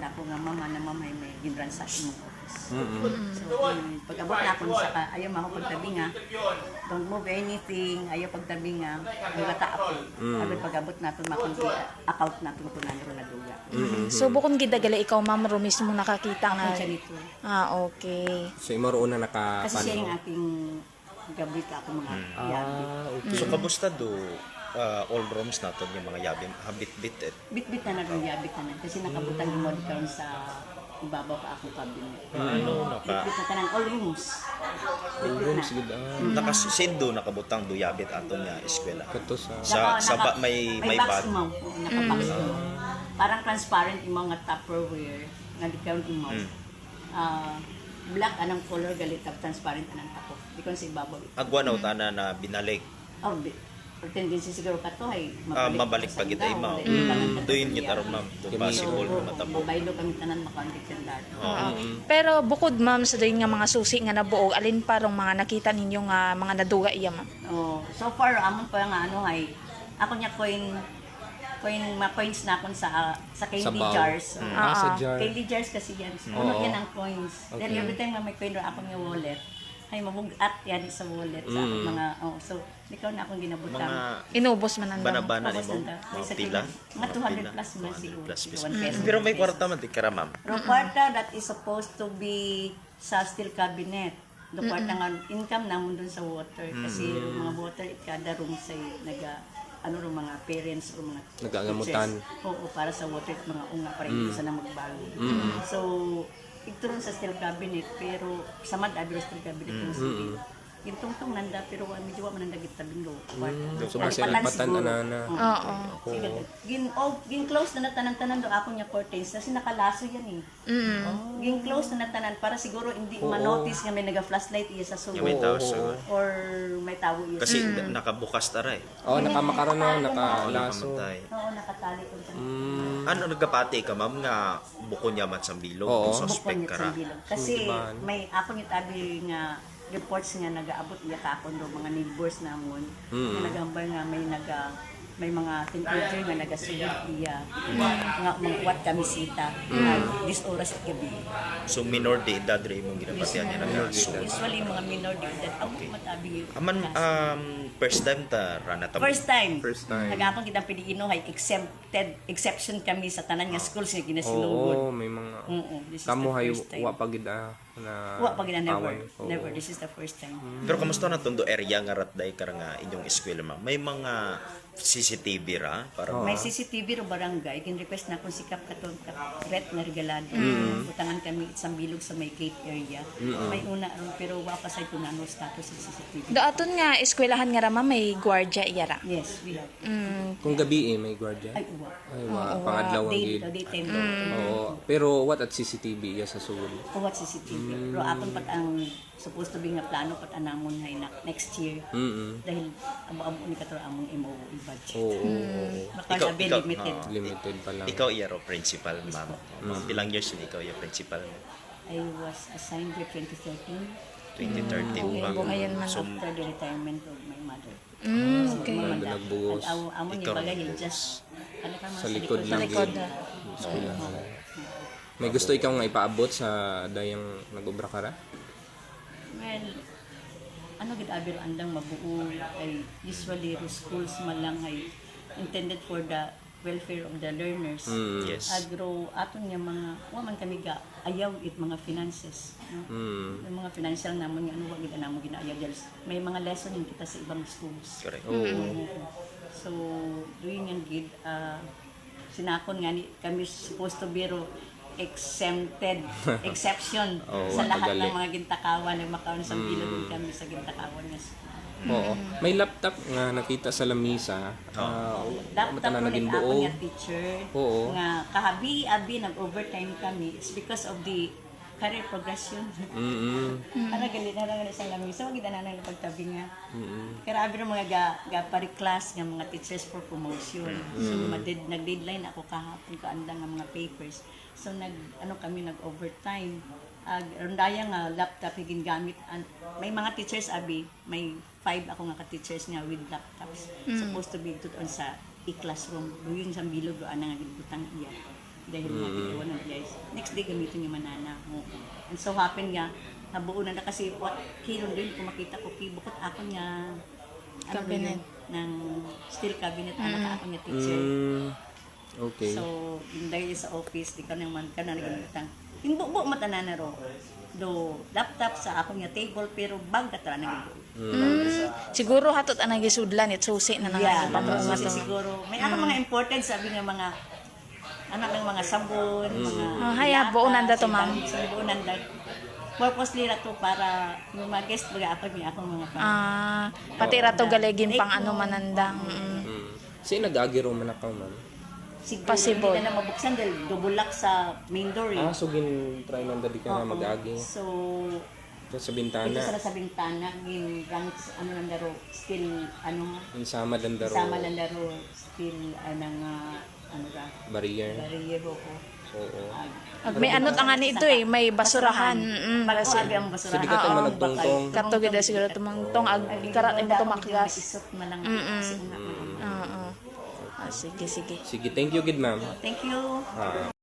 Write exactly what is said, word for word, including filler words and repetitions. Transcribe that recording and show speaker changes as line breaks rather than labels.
na ako nga mama na mama may ginransak imong office.
Mm-mm.
So, um, pag-abot na ako sa ka, ayaw mo ako pagtabi nga, don't move anything, ayaw pagtabi nga, ang bata ako.
Mm.
Sabi pag-abot na ito, makon account na ito kung nanro na duga.
So bukod gidagala ikaw ma'am ro mismo nakakita nga.
Ako siya nito.
Ah, okay.
So imo roon na naka
Kasi siya yung aking gabit ako mga yabi.
Ah, okay.
So kamusta do uh, all rooms naton yung mga yabi habit-bit eh.
Bit-bit na na doon yabit na na. Kasi nakabutang yung mod karon sa ibabaw pa akong cabinet.
Ano naka
Bit-bit na tanan, all rooms. Bit-bit na.
Sige da.
nakasindo nakabutang do yabit aton nga eskwela.
Kato sa
Sa
Naka-
sa ba,
naka-
may may
box
bag.
imaw. Oo, naka-box imaw. Parang transparent yung mga Tupperware nga di karon imaw.
Mm.
Ah, black anang color galit tap transparent anang tako. Di kon sa ibabaw.
Agwa na utana na binalik.
Oh, di. Or tendency siguro ka to ay
Ah, mabalik
sa
pa kita
indaw.
imaw.
Dahil kailangan ka
Doon
to
kita
siya.
ron ma'am. Do
Kami-
possible
So,
na matabo.
mabaylo kami tanan makondik yung dati.
Oo. Pero bukod ma'am sa dayon nga mga susi nga nabuog, alin pa rong mga nakita ninyo nga mga naduga iya ma'am?
Oh, so far amon pa nga ano ay ako nya coin coin ma coins na akon sa sa candy
Sabaw.
jars.
Mm.
Oh,
Ah, sa
Ah,
jar.
candy jars kasi yan. So,
Oo.
ano yan ang coins.
Okay.
Then every time na may coin ra ako nga wallet, ay mabugat yan sa wallet sa akong
Mm.
mga oh so ikaw na akong ginabutang.
Mga
Inubos man ang
bana-bana
Tapos
nimo,
nanda,
mga
sa
pila.
Mga two hundred
pila.
plus man
two hundred
siguro.
plus
Siguro
pesos.
one peso,
Pero may
one
kwarta
peso.
man di kara ma'am.
Pero kwarta that is supposed to be sa steel cabinet. Do kwarta nga income namon dun sa water kasi yung mga water kada room say naga ano ro mga parents o mga
Nagagammutan.
teachers. Oo, para sa water at mga unga para hindi sana magbago. So, ito rin sa steel cabinet pero sa mad abi ro steel cabinet mm.
Mm.
Yung tungtong nanda pero wa medyo wa man nanda gitabing do.
So basta nagpatan ana na.
Oo.
Sige, gin oh, gin close na natanan-tanan do ako nya curtains kasi nakalaso yan eh.
Mm.
Gin close na natanan para siguro hindi ma-notice nga may naga-flashlight iya sa sulod.
Yung may tao siguro.
Or may tawo iya.
Kasi nakabukas tara eh.
Oh, nakamakara na, nakalaso.
Nakamatay.
Oo, nakatali ko sa
Mm.
Ano nagapati ka ma'am nga buko niya man sa bilog
Oo.
kung suspect
bukon
ka
sa
ra.
bilog. Kasi
Sudiban.
may ako ni tabi nga reports nga nagaabot iya kakon do mga neighbors namon
Mm.
nga nagambar nga may naga may mga teenager nga nagasulit iya nga mga wat kamisita mm. this oras at gabi.
So minor de edad re imong ginapatian niya na.
So, usually mga minor de edad ang matabi yun.
Aman um first time ta rana ta.
First time.
First time.
Nagapon kita Pilipino hay exempted exception kami sa tanan nga schools nga ginasinugod.
Oo, may mga
Oo, this is
kamo
the
hay
first time.
wa pagid ah, na
Wa pa gina never.
away. Oo.
Never. This is the first time.
Pero kamusta na tondo area nga ratday kara nga inyong eskwela ma'am? May mga C C T V ra para
May C C T V ro barangay, kin-request na kung sikap katon ret na regalado. Utangan kami isang bilog sa may gate area. May una ron pero wa pa say kung ano status sa C C T V.
Daaton nga eskwelahan nga rama may gwardiya iya ra.
Yes, we have.
Mm.
Kung gabi eh, may guardia.
Ay, uwa.
Ay, wa, pangadlaw ang
Day,
gid.
daytime
Mm.
daw.
Oo. Pero what at C C T V ya sa sulod?
Uwat C C T V. Pero apon pat ang supposed to be nga plano pat anamon hay na next year.
Mm.
Dahil abo-abo ni katro among M O E budget.
Oo. oo,
Baka
Ikaw-
sabi
ikaw-
limited.
oo.
Limited pa lang.
ikaw iya ro principal ma'am. Mga pilang years na ikaw yung principal mo?
I was assigned here twenty thirteen.
twenty thirteen
Okay,
ma'am.
bungayan man
So
After the retirement of my mother.
Mm,
So,
okay.
mamanda.
Nagbuhos.
At aw- amon
Ikaw
yung bagay,
nagbuhos.
just, ano ka mga
Sa likod
Sa
lang
likod.
gid.
ah.
Eskwelahan. May gusto ikaw nga ipaabot sa dayang nag-obra ka ra?
Well, ano gid abir andang mabuo ay usually ro schools man lang ay intended for the welfare of the learners.
Mm.
yes.
Agro aton nga mga wa man kami ga ayaw it mga finances, no?
Mm.
Yung mga financial namon nga ano wa gid namo ginaayaw dahil may mga lesson yung kita sa ibang schools.
Correct.
Oo.
So, doing yung gid, uh, sinakon nga ni, kami supposed to be ro exempted, exception
Oo,
sa lahat
tagali.
ng mga gintakawan, nagmakaon sa bilog kami sa gintakawan nga.
Oo. May laptop nga nakita sa lamisa. Ah,
Laptop
mata na
mo
naging
nit ako
buo.
nga teacher,
Oo.
nga kahabi-abi, nag-overtime kami, it's because of the career progression.
Mm.
Para galit na lang sa lamisa, wag na nang pagtabi nga.
Mm.
Kaya abi mga ga, ga pari-class nga mga teachers for promotion. So madid, nag-deadline ako kahapon kaanda nga mga papers. So nag ano kami nag-overtime. Ag rondaya nga laptop higin gamit an, may mga teachers abi, may five ako nga ka-teachers nga with laptops. Supposed to be tuton sa i-classroom. Doon sa bilog do ana nga gibutang iya. dahil mm iwan ng guys. Next day gamitin yung manana mo. And so happen nga, nabuo na na kasi what kilon din kung makita ko kibukot ako niya ano
Cabinet.
yun, ng steel cabinet anak ako niya teacher.
Mm, okay.
So, yung dahil sa office, di ka naman ka na nagamitan. Yung buo mata na na ro. Do laptop sa ako niya table pero bag ka tara na
Mm, siguro hatot ang nagisudlan it susi na nang
yeah,
patungo
so,
to.
siguro. May ano mga important sabi ng mga anak ng mga sabon, mga
Ah, haya,
lata,
buo nanda to, ma'am.
So, buo nanda. Purposely na to para yung mga guest baga ako niya akong mga pang.
Ah, pati rato galegin pang ano manandang. Mm.
Mm. Si nag-agiro man ako, ma'am.
Siguro
Possible.
hindi na mabuksan dahil dubulak sa main door. Eh.
Ah, so gin-try nang dali ka na
Oo.
mag-agi.
So,
So, sa
ito
bintana,
sa sa bintana, yung ranks, ano lang daro, still, ano nga,
yung sama lang daro,
sama lang daro, still, ano nga, ano ra,
barrier.
bariyero ko.
Oo.
Ag may ano nga nito eh, may basurahan. Mm,
Bago
kasi
abi ang basurahan.
Sabi ka tayo
Oo,
managtungtong.
bakal.
kato gid siguro tumangtong ag ikarat mo tumakgas.
Isot man lang.
Mm-mm.
Kasi nga,
Oo. Ah, sige sige.
Sige, thank you, good ma'am.
Thank you.
Ah.